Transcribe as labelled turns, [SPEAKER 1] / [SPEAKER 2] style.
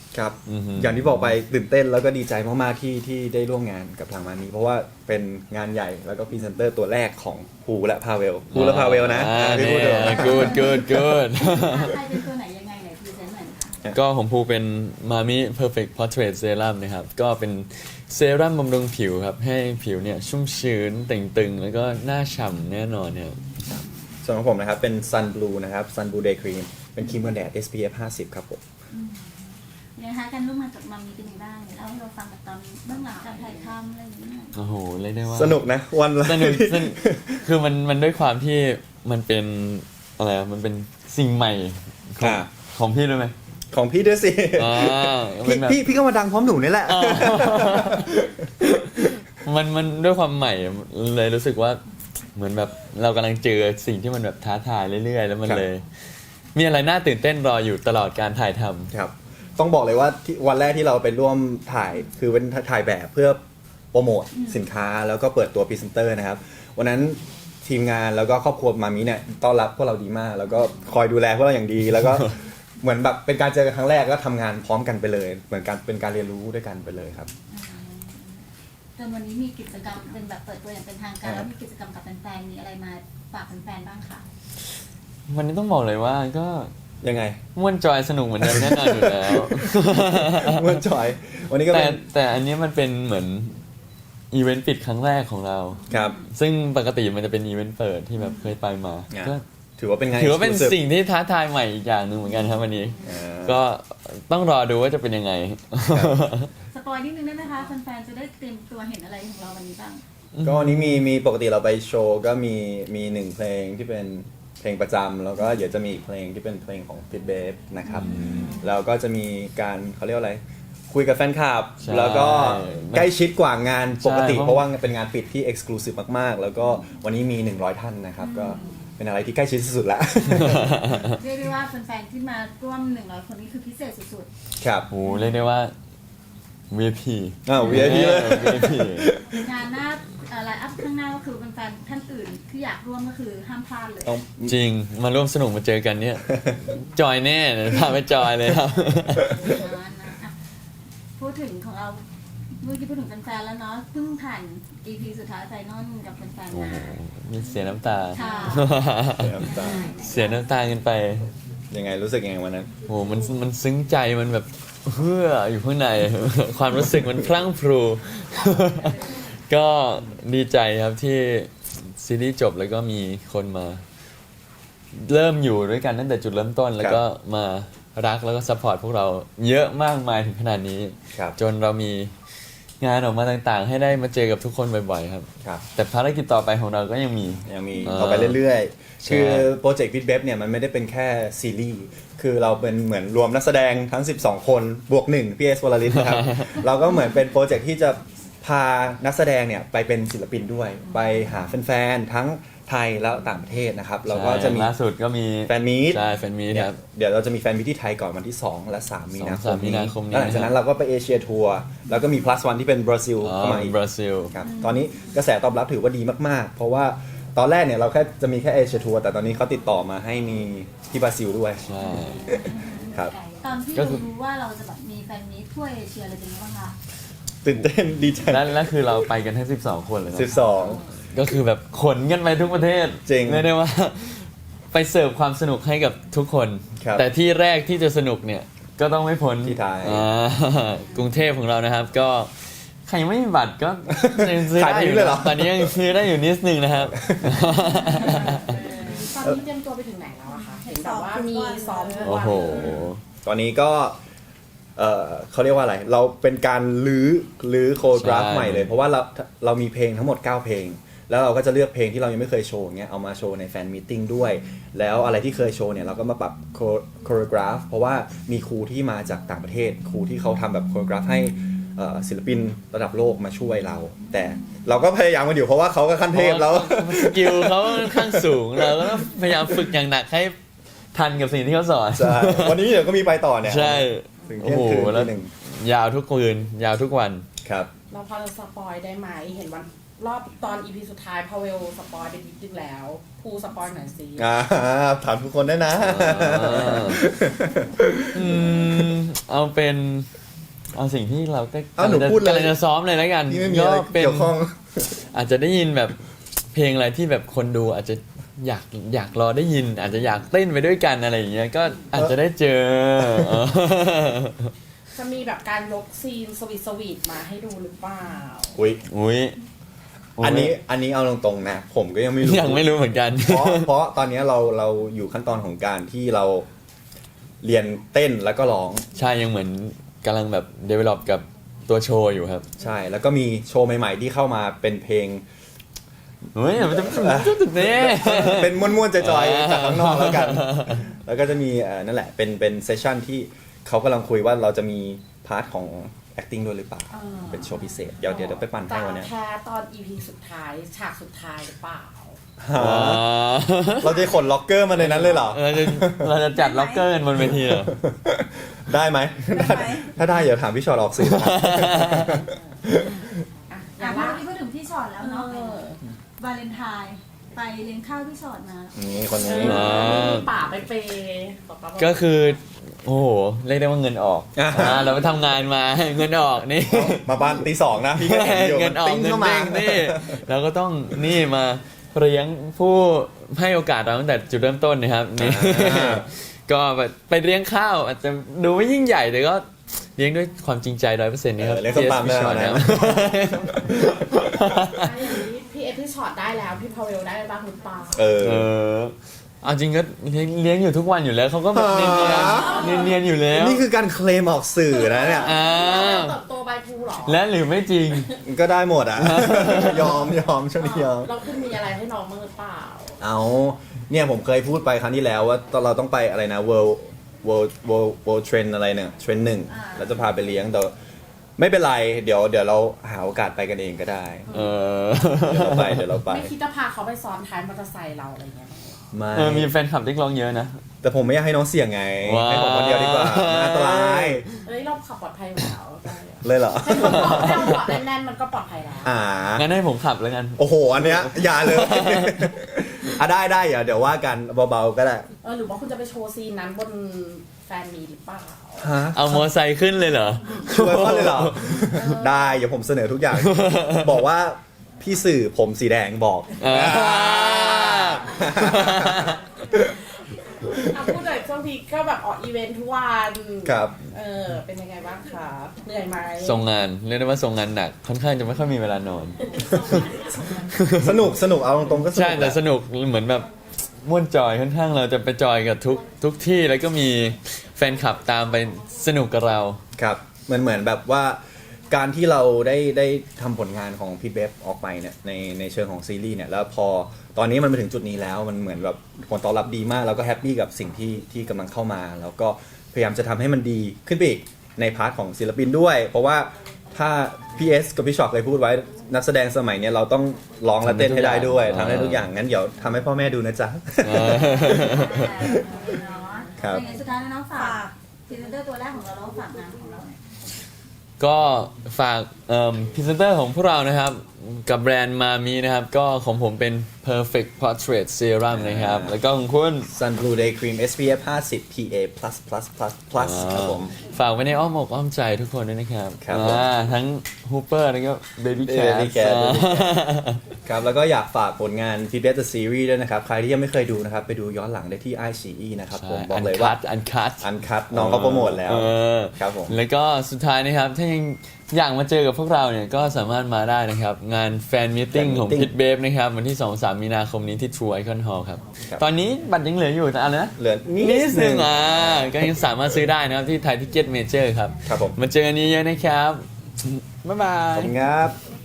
[SPEAKER 1] ครับอย่างที่บอกไปตื่นเต้นแล้วก็ดีใจมากๆที่ได้ร่วมงานกับทางมานี้เพราะว่าเป็นงานใหญ่แล้วก็พรีเซนเตอร์ตัวแรกของภูและพาเวลนะพี่พูดเลย
[SPEAKER 2] good
[SPEAKER 3] ใครเป็นตัวไหนยังไงไหนพรีเซนต์หน่อยค่ะ
[SPEAKER 2] ก็ของภูเป็นมามิ Perfect Portrait Serum นะครับก็เป็นเซรั่มบำรุงผิวครับให้ผิวเนี่ยชุ่มชื้นเต่งตึงแล้วก็หน้าฉ่ำแน่นอนเนี่ย
[SPEAKER 1] ส่วนของผมนะครับเป็น Sun Blue นะครับ Sun Blue Day Cream เป็นครีมกันแดด SPF 50 ครับผม
[SPEAKER 3] นะคะการร่วมงานกับมัมมี่เป็นยังไงบ้างเล่าให้เราฟังแบบตอนเบื้องหลังการถ่ายทำอะไรอย่างเงี้ย
[SPEAKER 2] โอ้โหเรียกได้ว่า
[SPEAKER 1] สนุกนะวันละ
[SPEAKER 2] สนุกคือมันด้วยความที่มันเป็นอะไรอะมันเป็นสิ่งใหม่ของพี่ด้วยไหม
[SPEAKER 1] ของพี่ด้วยสิ
[SPEAKER 2] เป็นแบบ
[SPEAKER 1] พี่ก็มาดังพร้อมหนูนี่แหละ
[SPEAKER 2] มันด้วยความใหม่เลยรู้สึกว่าเหมือนแบบเรากำลังเจอสิ่งที่มันแบบท้าทายเรื่อยๆแล้วมันเลย มีอะไรน่าตื่นเต้นรออยู่ตลอดการถ่ายทำ
[SPEAKER 1] ครับต้องบอกเลยว่าวันแรกที่เราไปร่วมถ่ายคือเป็นถ่ายแบบเพื่อโปรโมทสินค้าแล้วก็เปิดตัวพรีเซนเตอร์นะครับวันนั้นทีมงานแล้วก็ครอบครัวมามิเนี่ยต้อนรับพวกเราดีมาก แล้วก็คอยดูแลพวกเราอย่างดีแล้วก็ เหมือนแบบเป็นการเจอกันครั้งแรกก็ทำงานพร้อมกันไปเลย เหมือนการเป็นการเรียนรู้ด้วยกันไปเลยครับ
[SPEAKER 3] จนวันนี้มีกิจกรรมเป็นแบบเปิดตัวอย่างเป็นทางการแล้วมีกิจกรรมกับแฟนๆมีอะไรมาฝากแฟนๆบ้างคะ
[SPEAKER 2] วันนี้ต้องบอกเลยว่าก็
[SPEAKER 1] ยังไง
[SPEAKER 2] ม่วนจอยสนุกเหมือนเดิมแน่นอนอยู่แล้ว
[SPEAKER 1] เมื่อจอย วันนี้ก็เป็น
[SPEAKER 2] แต่อันนี้มันเป็นเหมือนอีเวนต์ปิดครั้งแรกของเรา
[SPEAKER 1] ครับ
[SPEAKER 2] ซึ่งปกติมันจะเป็นอีเวนต์เปิดที่แบบเคยไปมาก็
[SPEAKER 1] ถือว่าเป็นไง
[SPEAKER 2] ถือว่าเป็น
[SPEAKER 1] exclusive
[SPEAKER 2] สิ่งที่ท้าทายใหม่อีกอย่างหนึ่งเหมือนกันครับวันนี้ ก็ต้องรอดูว่าจะเป็นยังไง
[SPEAKER 3] สปอยนิดนึงได้ไหมคะแฟนๆจะได้เตรียมตัวเห็นอะไรของเราวันนี้บ้าง
[SPEAKER 1] ก็วันนี้มีปกติเราไปโชว์ก็มีหนึ่งเพลงที่เป็นเพลงประจำแล้วก็เดี๋ยวจะมีอีกเพลงที่เป็นเพลงของพิทเบฟนะครับแล้วก็จะมีการเขาเรียกว่าอะไรคุยกับแฟนคลับ
[SPEAKER 2] ใช่
[SPEAKER 1] แล้วก็ใกล้ชิดกว่างานปกติ
[SPEAKER 2] ใช่
[SPEAKER 1] เพราะว่าเป็นงานปิดที่เอ็กซ์คลูซีฟมากๆ แล้วก็วันนี้มี 100 ท่านนะครับก็เป็นอะไรที่ใกล้ชิดสุดๆแล้ว
[SPEAKER 3] เรียกได้ว่าแฟนๆที่มาร่วม100คนนี้คือพิเศษสุด
[SPEAKER 1] ครับ
[SPEAKER 2] โหเรียกได้ว่า VIP
[SPEAKER 1] VIP เลย
[SPEAKER 2] VIP
[SPEAKER 3] ๆงานหน้าไลน์อัพข้างหน้าก็คือแฟนๆท่านอื่นที่อยากร่วมก็คือห้ามพลาดเลย
[SPEAKER 1] ต้อง
[SPEAKER 2] จริงมาร่วมสนุกมาเจอกันเนี่ย จอยแน่เดี๋ยวพาไปจอยเลยครับ
[SPEAKER 3] อ่ะพูดถึงของเราเมื่อกี้พูดถึงแฟนๆแล้วเนาะเพิ่งผ่าน EP สุดท้ายไฟนอลกับแฟน
[SPEAKER 2] โอ้
[SPEAKER 3] ๆมา
[SPEAKER 2] โหมีเสียน้ำตา
[SPEAKER 3] ค่ะ
[SPEAKER 1] น้ำตา
[SPEAKER 2] เสียน้ำตากันไป
[SPEAKER 1] ยังไงรู้สึกยังไงวันนั้น
[SPEAKER 2] โหมันซึ้งใจมันแบบเฮืออยู่ข้างใน ความรู้สึกมันพลั่งพรู ก็ดีใจครับที่ซีรีส์จบแล้วก็มีคนมา เริ่มอยู่ด้วยกันตั้งแต่จุดเริ่มต้น แล้วก็มารักแล้วก็ซัพพอร์ตพวกเราเยอะมากมายถึงขนาดนี้
[SPEAKER 1] ครับ
[SPEAKER 2] จนเรามีงานออกมาต่างๆ ให้ได้มาเจอกับทุกคนบ่อยๆครับ
[SPEAKER 1] ครับ
[SPEAKER 2] แต่ภารกิจต่อไปของเราก็ยังมี
[SPEAKER 1] ยังมี
[SPEAKER 2] อ่า
[SPEAKER 1] ต่อไปเรื่อย
[SPEAKER 2] ใช่
[SPEAKER 1] ๆ คือโปรเจกต์พิทเบฟเนี่ยมันไม่ได้เป็นแค่ซีรีส์คือเราเป็นเหมือนรวมนักแสดงทั้ง 12 คนบวก1พี่เอสวลลิตนะครับ เราก็เหมือนเป็นโปรเจกต์ที่จะพานักแสดงเนี่ยไปเป็นศิลปินด้วย ไปหาแฟนๆทั้งไทยและต่างประเทศนะครับเราก็จะมี
[SPEAKER 2] ล่าสุดก็มี
[SPEAKER 1] แฟนมีต
[SPEAKER 2] ใช่แฟนมีตครับ
[SPEAKER 1] เดี๋ยวเราจะมีแฟนมีตที่ไทยก่อนวันที่ 2 และ 3 มีนาคม
[SPEAKER 2] 3 มีนาคมนี้
[SPEAKER 1] แล้วหลังจากนั้นเราก็ไปเอเชียทัวร์แล้วก็มี plus one ที่เป็นบราซิลเข้ามาอีก
[SPEAKER 2] บราซิล
[SPEAKER 1] ครับตอนนี้กระแสตอบรับถือว่าดีมากๆ เพราะว่าตอนแรกเนี่ยเราแค่จะมีแค่เอเชียทัวร์แต่ตอนนี้เขาติดต่อมาให้มีที่บราซิลด้วย
[SPEAKER 2] ใช่
[SPEAKER 1] ครับ
[SPEAKER 3] ตอนที่
[SPEAKER 2] ก็
[SPEAKER 3] เรา
[SPEAKER 2] คือ
[SPEAKER 3] รู้ว่าเราจะแบบมีแฟนมีตทั่วเอเชียเลยเป็นยังไงบ้างคะ
[SPEAKER 1] ตื่นเต้นดีใจ
[SPEAKER 2] แล้วคือเราไปกันทั้ง12 คนเลยนะ
[SPEAKER 1] 12
[SPEAKER 2] ก็คือแบบขนกันไปทุกประเทศ
[SPEAKER 1] จริง
[SPEAKER 2] เรียกได้ว่า ไปเสิร์ฟความสนุกให้กับทุกคน
[SPEAKER 1] ครับ
[SPEAKER 2] แต่ที่แรกที่จะสนุกเนี่ย ก็ต้องไม่พ้น
[SPEAKER 1] ที่ไทย
[SPEAKER 2] กรุงเทพของเรานะครับ ก็ใครยังไม่มีบัตรก็ยังซื้อ
[SPEAKER 1] ขาย
[SPEAKER 2] ได้
[SPEAKER 1] ไป
[SPEAKER 2] อยู่
[SPEAKER 1] เลยเหรอ
[SPEAKER 2] นะตอนนี้ยังซื้อได้อยู่นิดนึงนะครับ
[SPEAKER 4] ตอนนี้เตรียมตัวไปถึงไหนแล้วอะคะ เห็นแบบว่ามีซ้อมทุก
[SPEAKER 2] โอ้
[SPEAKER 4] วัน
[SPEAKER 2] โห
[SPEAKER 1] ตอนนี้ก็เขาเรียกว่าอะไร เราเป็นการลื้อโคโรกราฟ
[SPEAKER 2] ใช่
[SPEAKER 1] ใหม่เลย เพราะว่าเรามีเพลงทั้งหมด 9 เพลง แล้วเราก็จะเลือกเพลงที่เรายังไม่เคยโชว์เงี้ยเอามาโชว์ในแฟนมีตติ้งด้วย แล้วอะไรที่เคยโชว์เนี่ยเราก็มาปรับโคโรกราฟเพราะว่ามีครูที่มาจากต่างประเทศ ครูที่เขาทำแบบโคโรกราฟให้ศิลปินระดับโลกมาช่วยเรา แต่เราก็พยายามกันอยู่เพราะว่าเขาก็ขั้นเทพแล้ว
[SPEAKER 2] สกิลเขาค่อนข้างสูงเราก็ต้องพยายามฝึกอย่างหนักให้ทันกับสิ่งที่เขาสอน
[SPEAKER 1] ใช่ วันนี้เดี๋ยวก็มีไปต่อเนี่ย
[SPEAKER 2] ใช่
[SPEAKER 1] ถึง
[SPEAKER 2] โอ้
[SPEAKER 1] เที่ยง
[SPEAKER 2] โห
[SPEAKER 1] คืน
[SPEAKER 2] แล้ว
[SPEAKER 1] ทีหนึ่ง
[SPEAKER 2] ยาวทุกคืน ยาวทุกวัน
[SPEAKER 1] ครับ
[SPEAKER 4] เราพอจะสปอยได้ไหม เห็นวันรอบตอน EP สุดท้ายพาเวลสปอยไปนิดนึงแล้วภูสปอยหน่อยสิ
[SPEAKER 1] ถามทุกคนได้นะ
[SPEAKER 2] อืมเอาเป็นเอาสิ่งที่เราก็
[SPEAKER 1] เอาหนูพูดเลย
[SPEAKER 2] กำลังจะซ้อมเลยแล้วกัน
[SPEAKER 1] นี่ไม่มีอะไร
[SPEAKER 2] เป็น
[SPEAKER 1] เกี่ยวข้อง
[SPEAKER 2] อาจจะได้ยินแบบเพลงอะไรที่แบบคนดูอาจจะอยากรอได้ยิน อาจจะอยากเต้นไปด้วยกันอะไรอย่างเงี้ยก็อาจจะได้เจอ
[SPEAKER 4] จะมีแบบการยกซีนสวีทมาให้ดูหรือเปล่า
[SPEAKER 1] อุ้ย
[SPEAKER 2] อุ้ย
[SPEAKER 1] อันนี้เอาตรงๆนะ ผมก็ยังไม่รู้
[SPEAKER 2] ยังไม่รู้เหมือนกัน
[SPEAKER 1] เพราะตอนนี้เราอยู่ขั้นตอนของการที่เราเรียนเต้นแล้วก็ร้อง
[SPEAKER 2] ใช่ยังเหมือนกำลังแบบ develop กับตัวโชว์อยู่ครับ
[SPEAKER 1] ใช่ แล้วก็มีโชว์ใหม่ๆที่เข้ามาเป็นเพลง
[SPEAKER 2] เฮ้ยมันจะจุดนี้
[SPEAKER 1] เป็นม้วนๆจอยๆจากข้างนอกแล้วกัน แล้วก็จะมีนั่นแหละเป็นเซสชั่นที่เขากำลังคุยว่าเราจะมีพาร์ทของ acting ด้วยหรือเปล่า เป็นโชว์พิเศษ เดี๋ยวไปปั่นให้วันเนี้ย
[SPEAKER 4] แค่ตอน EP สุดท้ายฉากสุดท้ายหรือเปล่า
[SPEAKER 1] เราจะขนล็อกเกอร์มาในนั้นเลยเหรอ
[SPEAKER 2] เราจะจัดล็อกเกอร์กันบนเวทีเหรอ
[SPEAKER 1] ได้ไหม
[SPEAKER 3] ได้ไหม
[SPEAKER 1] ถ้าได้เดี๋ยวถามพี่ชอตออกสื่อนะครับ
[SPEAKER 4] อย่า
[SPEAKER 3] เมื่
[SPEAKER 4] ว่า
[SPEAKER 3] อกี้พูดถึงพี่ชอตแล้วเนาะวาเลนไทน์ไปเลี้ยงข้าวพี่ชอตมา
[SPEAKER 1] นี่คนนี้
[SPEAKER 2] อ่า
[SPEAKER 4] ป่าไปเปย์บอกว่า
[SPEAKER 2] ก็คือ โอ้โห เรียกได้ว่าเงินออกเราไปทำงานมาเงินออกนี่
[SPEAKER 1] มาบ้านตีสองนะ พี่ก็เห็นอยู่
[SPEAKER 2] เงินออก
[SPEAKER 1] ติ้ง
[SPEAKER 2] เงิน
[SPEAKER 1] เข้ามา
[SPEAKER 2] เด้งนี่เราก็ต้องนี่มาเลี้ยงผู้ให้โอกาสเราตั้งแต่จุดเริ่มต้นนะครับนี่ก็แบบไปเลี้ยงข้าวอาจจะดูไม่ยิ่งใหญ่แต่ก็เลี้ยงด้วยความจริงใจ100%นี่ครับ
[SPEAKER 1] เลี้ยงส้มตำ
[SPEAKER 2] พี่ชอต
[SPEAKER 1] แน่นอนนะ
[SPEAKER 4] อย่างนี้พี่เอพี่ช็อตได้แล้วพี่พาเวลได้บ้างหรือเปล่า
[SPEAKER 1] เออ
[SPEAKER 2] เอาจริงก็เลี้ยงอยู่ทุกวันอยู่แล้วเขาก็แบบเนียนอยู่แล้ว
[SPEAKER 1] นี่คือการเคลมออกสื่อนะเนี่ย
[SPEAKER 4] เติบโตใบภูเหรอ
[SPEAKER 2] และหรือไม่จริง
[SPEAKER 1] ก็ได้หมดอ่ะ ยอมช่วงนี้ยอม
[SPEAKER 4] เราคุณมีอะไรให้น้องบ้างหรือเปล่า
[SPEAKER 1] เอาเนี่ยผมเคยพูดไปครั้งที่แล้วว่าตอนเราต้องไปอะไรนะ world trend อะไรเนี่ยเทรนด์หนึ่งแล้วจะพาไปเลี้ยงแต่ไม่เป็นไรเดี๋ยวเราหาโอกาสไปกันเองก็ได้
[SPEAKER 2] เออ
[SPEAKER 1] เดี๋ยวเราไป
[SPEAKER 4] ไม่คิดจะพาเขาไปซ้อนท้ายมอเตอร์ไซค์เราอะไรเงี้ย
[SPEAKER 1] ไม่
[SPEAKER 2] มีแฟนคลับเรียกร้องเยอะนะ
[SPEAKER 1] แต่ผมไม่อยากให้น้องเสี่ยงไง
[SPEAKER 2] ว้าว
[SPEAKER 1] ให้ผมคนเดียวดีกว่ามันอันตราย
[SPEAKER 4] เอ้ยเราขับปลอดภัยอยู่แล้วได้อะ
[SPEAKER 1] เลยเหรอ
[SPEAKER 4] ให้เราเกาะแน่นๆมันก็ปลอดภัยแล้ว
[SPEAKER 2] งั้นให้ผมขับแล้วกัน
[SPEAKER 1] โอ้โหอันเนี้ยอย่าเลย ได้เดี๋ยวว่ากันเบาๆก็ได้
[SPEAKER 4] หรือว่าคุณจะไปโชว์ซีนนั้นบนแฟนมีหรือเปล่า
[SPEAKER 1] ฮะ
[SPEAKER 2] เอามอไซค์ขึ้นเลยเหรอ
[SPEAKER 1] ช่วยเขาเลยเหรอ ได้เดี๋ยวผมเสนอทุกอย่าง บอกว่าพี่สื่อผมสีแดงบอก
[SPEAKER 4] พูดหน่อยช่วงนี้ก็แบบออกอีเวนท์ทุกวัน
[SPEAKER 1] ครับ
[SPEAKER 4] เป็นยังไงบ้างคะเหนื่อยไหม
[SPEAKER 2] ส่งงานเรียกได้ว่าส่งงานหนักค่อนข้างจะไม่ค่อยมีเวลานอน
[SPEAKER 1] สนุกเอาตรงๆก็สนุก
[SPEAKER 2] ใช่แต่
[SPEAKER 1] หละ
[SPEAKER 2] สนุกเหมือนแบบม่วนจอยค่อนข้างเราจะไปจอยกับทุกที่แล้วก็มีแฟนคลับตามไปสนุกกับเรา
[SPEAKER 1] ครับเหมือนแบบว่าการที่เราได้ทำผลงานของพี่เบฟออกไปเนี่ยในเชิงของซีรีส์เนี่ยแล้วพอตอนนี้มันมาถึงจุดนี้แล้วมันเหมือนแบบผลตอบรับดีมากแล้วก็แฮปปี้กับสิ่งที่กำลังเข้ามา แล้วก็พยายามจะทำให้มันดีขึ้นไปอีกในพาร์ทของศิลปินด้วย เพราะว่าถ้าพี่เอสกับพี่ช็อปเคยพูดไว้นักแสดงสมัยเนี้ยเราต้องร้องและเต้นให้ได้ด้วยทำได้ทุกอย่างงั้นเดี๋ยวทำให้พ่อแม่ดูนะจ๊ะ ครับ
[SPEAKER 3] เป็นไงสุดท้ายแล้วน้องฝากพรีเซนเตอร์ตัวแรกของเราแล้วฝากงานของเรา
[SPEAKER 2] ก็ฝากพรีเซนเตอร์ของพวกเรานะครับ กับแบรนด์มามีนะครับ ก็ของผมเป็น perfect portrait serum นะครับ แล้วก็ของคุณ
[SPEAKER 1] Sun Blue Day Cream SPF 50 PA++++ ครับผม
[SPEAKER 2] ฝากไว้ในอ้อมอกอ้อมใจทุกคนด้วยนะครับ
[SPEAKER 1] ครับผม
[SPEAKER 2] ทั้ง Hooper แล้วก็ Baby Cat
[SPEAKER 1] Baby Cat ครับแล้วก็อยากฝากผลงาน f e e d Back the Series ด้วยนะครับ ใครที่ยังไม่เคยดูนะครับ ไปดูย้อนหลังได้ที่ iQIYI นะครับผมบอกเลยว่า
[SPEAKER 2] อันคัต
[SPEAKER 1] อันคัดน้องเขาโปรโมทแล้ว ครับผม
[SPEAKER 2] แล้วก็สุดท้ายนะครับ ถ้ายังอยากมาเจอกับพวกเราเนี่ย ก็สามารถมาได้นะครับ งานแฟนมิทติ้ง
[SPEAKER 1] Fan
[SPEAKER 2] ของ
[SPEAKER 1] Meeting
[SPEAKER 2] พิทเบฟนะครับ วันที่ 2-3 มีนาคมนี้ที่ True Icon Hall ครับ
[SPEAKER 1] ครับ
[SPEAKER 2] ตอนนี้บัตรยังเหลืออยู่แต่อะไรนะ
[SPEAKER 1] เหลือนิ
[SPEAKER 2] นิ
[SPEAKER 1] ด
[SPEAKER 2] ด
[SPEAKER 1] นึ
[SPEAKER 2] นึ
[SPEAKER 1] ง
[SPEAKER 2] งก็ยังสามารถซื้อได้นะครับ ที่ไทยทิเก็ตเมเจอร์ครับ
[SPEAKER 1] ครับผม
[SPEAKER 2] มาเจอกันนี้เยอะนะครับ บ๊ายบา
[SPEAKER 1] ขอบ
[SPEAKER 2] ย
[SPEAKER 1] คุณครับ